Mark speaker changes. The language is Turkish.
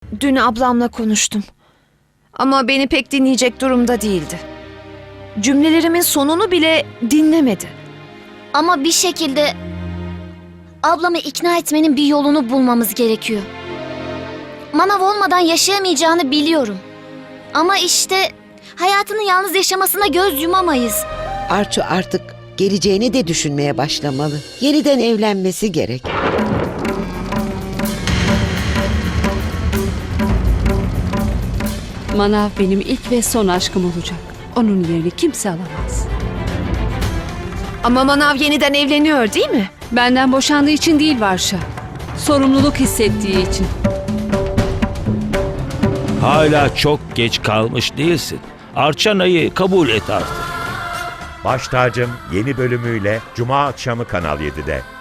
Speaker 1: Dün ablamla konuştum. Ama beni pek dinleyecek durumda değildi. Cümlelerimin sonunu bile dinlemedi.
Speaker 2: Ama bir şekilde ablamı ikna etmenin bir yolunu bulmamız gerekiyor. Manav olmadan yaşayamayacağını biliyorum. Ama işte hayatını yalnız yaşamasına göz yumamayız.
Speaker 3: Arçu artık geleceğini de düşünmeye başlamalı. Yeniden evlenmesi gerek.
Speaker 4: Manav benim ilk ve son aşkım olacak. Onun yerini kimse alamaz.
Speaker 1: Ama Manav yeniden evleniyor değil mi?
Speaker 4: Benden boşandığı için değil Varşa. Sorumluluk hissettiği için.
Speaker 5: Hala çok geç kalmış değilsin. Arçana'yı kabul et artık.
Speaker 6: Baş Tacım yeni bölümüyle Cuma akşamı Kanal 7'de.